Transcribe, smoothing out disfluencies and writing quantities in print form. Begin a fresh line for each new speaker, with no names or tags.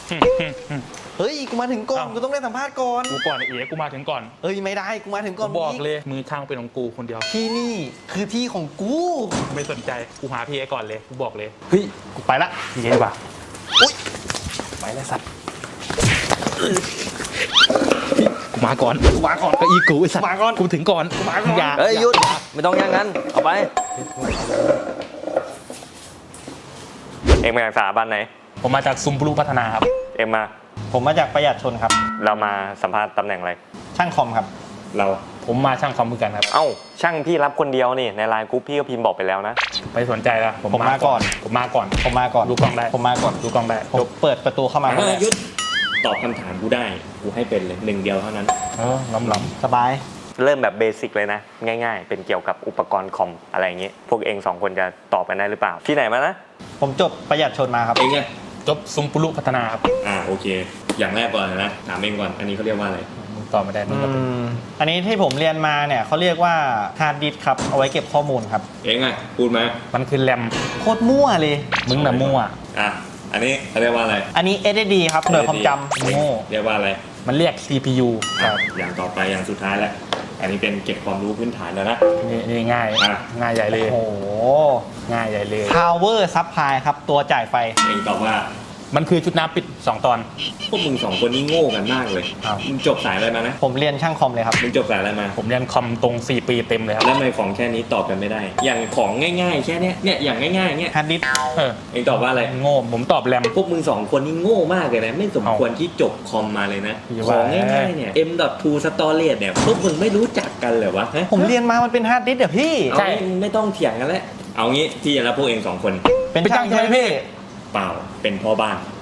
เฮ้ยกูมาถึงก่อนกูต้องได้สัมภาษณ์ก่อน
กูก่อนเอ๋กูมาถึงก่อน
เอ้ยไม่ได้กูมาถึงก่อน
บอกเลยมือช่างเป็นของกูคนเดียว
ที่นี่คือที่ของกู
ไม่สนใจกูหาพี่เอก่อนเลยกูบอกเลย
เฮ้ยกูไปละ
พี่เอดีกว่า
อุ้ยไปแล้วสัตว์
กูมาก่อน
กูมาก่อน
ก็อีกูไอ้สัตว์
มาก่อน
กูถึงก่อน
กูมาก่อน
อย่า
เฮ้ยหยุดไม่ต้องอย่างนั้นเอาไปเอ็งมาจากสถาบันไหน
ผมมาจากซุมปลูพัฒนาครับ
เอ็งมา
ผมมาจากประหยัดชนครับ
เรามาสัมภาษณ์ตำแหน่งอะไร
ช่างคอมครับ
เรา
ผมมาช่างคอมเหมือนกันครับ
เอ้าช่างพี่รับคนเดียวนี่ในไลน์กรุ๊ปพี่ก็พิมพ์บอกไปแล้วนะ
ไปสนใจละ
ผมมาก่อน
ผมมาก่อน
ผมมาก่อน
ดูกล้องได้
ผมมาก่อน
ดูกล้องได้
ผมเปิดประตูเข้ามา
หยุดตอบคำถามกูได้กูให้เป็นเลย1 เดียวเท่านั้น
ล้
สบาย
เริ่มแบบเบสิกเลยนะง่ายๆเป็นเกี่ยวกับอุปกรณ์คอมอะไรอย่างงี้พวกเอง2 คนจะตอบกันได้หรือเปล่าที่ไหนมานะ
ผมจบประหยัดชนมาครับ
เองไง
จบซุมปลูพัฒนาครับ
โอเคอย่างแรกก่อนนะถามเองก่อนอันนี้เขาเรียกว่าอะไร
มึงตอบไม่ได้มึงก็เป็น
อันนี้ที่ผมเรียนมาเนี่ยเขาเรียกว่าฮาร์ดดิสก์ครับเอาไว้เก็บข้อมูลครับ
เองไงพูดมา
มันคือแรม
โคตรมั่วเลย
มึงน่ะมั่ว
อันนี้เขาเรียกว่าอะไร
อันนี้ SSD ครับหน่วยความจำโง่
เรียกว่าอะไร
มันเรียก CPU
ครับอย่างต่อไปอย่างสุดท้ายแล้วอันนี้เป็นเก็บความรู้พื้นฐานแล้วนะ
นี่ง่ายง่ายใหญ่เลย
โอ้โห
ง่ายใหญ่เลย
Power Supply ครับตัวจ่ายไฟ
เองตอบว่า
มันคือชุดน้ำปิด2 ตอน
พวกมึง2 คนนี้โง่กันมากเลยมึงจบสายอะไรมานะ
ผมเรียนช่างคอมเลยครับ
มึงจบสายอะไรมา
ผมเรียนคอมตรง4 ปีเต็มเลยครับ
แล้วทำไมของแค่นี้ตอบกันไม่ได้อย่างของง่ายๆแค่นี้เนี่ยอย่างง่ายๆเนี่ย
ฮาร์ดดิสก์
เองตอบว่าอะไร
โง่ผมตอบแรม
พวกมึง2 คนนี้โง่มากเลยนะไม่สมควรที่จบคอมมาเลยนะของง่ายๆเนี่ย M.2 storage เนี่ยพวกมึงไม่รู้จักกันเหรอวะ
ผมเรียนมามันเป็นฮาร์ดดิสก์เดี๋ยวพี่
ใช่ไม่ต้องเถียงกันแล้วเอางี้พี่จะรับพวกเอง2 คน
เป็นช่างใช่ไหมพี่
เปล่าเป็นพ่อบ้าน